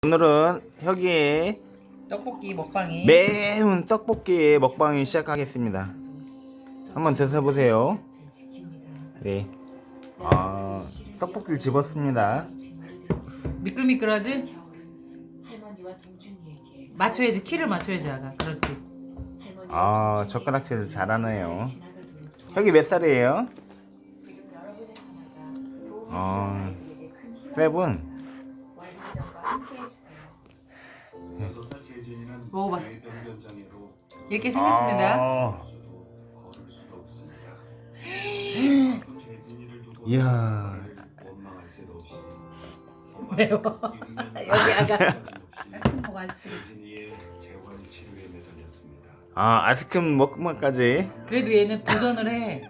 오늘은 혁이의 떡볶이 먹방이 매운 떡볶이 먹방이 시작하겠습니다. 한번 드셔보세요. 네. 떡볶이를 집었습니다. 미끌미끌하지? 맞춰야지, 키를 맞춰야지 아가. 그렇지. 젓가락질 잘하네요. 혁이 몇 살이에요? 세븐. 먹어봐. 이렇게 생겼습니다. 이야. 매워. 여기 아가. 아이스크림 먹기만까지. 그래도 얘는 도전을 해.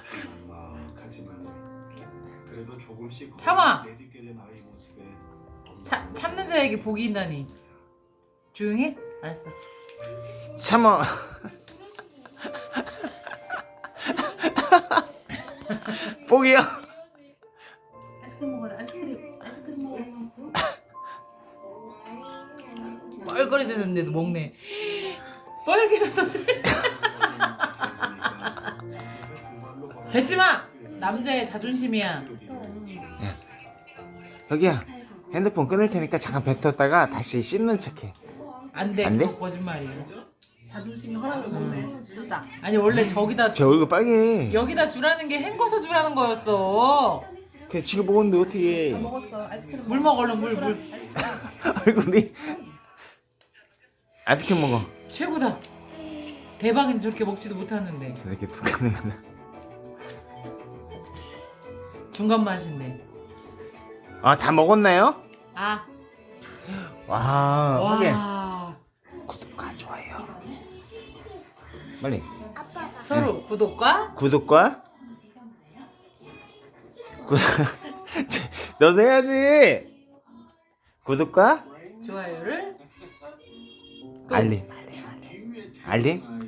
참아. 참는 자에게 복이 있다니. 조용히? 알았어. 참어. 뽀기요. 아이스크림 먹어. 아이스크림 먹어. 뻘거려졌는데도 먹네. 빨개졌어. 뱉지마. 남자의 자존심이야. 여기야. 핸드폰 끊을 테니까 잠깐 뱉었다가 다시 씹는 척해. 안돼. 안 돼? 그거 거짓말이야. 자존심이 허락을 못해. 진짜. 아니 원래 저기다 제 얼굴 빨개. 여기다 주라는 게 헹궈서 주라는 거였어. 그냥 지금 먹었는데 어떻게? 먹었어. 아이스크림. 물 먹어 얼른 물. 얼굴이. 아이스크림 먹어. 최고다. 대박인 저렇게 먹지도 못하는데 저렇게 독하네. 중간 맛인데. 다 먹었나요? 아. 확인. 와. 구독과 좋아요. 빨리. 서로 구독과 구독과 너도 해야지. 구독과 좋아요를 또 알림. 알림.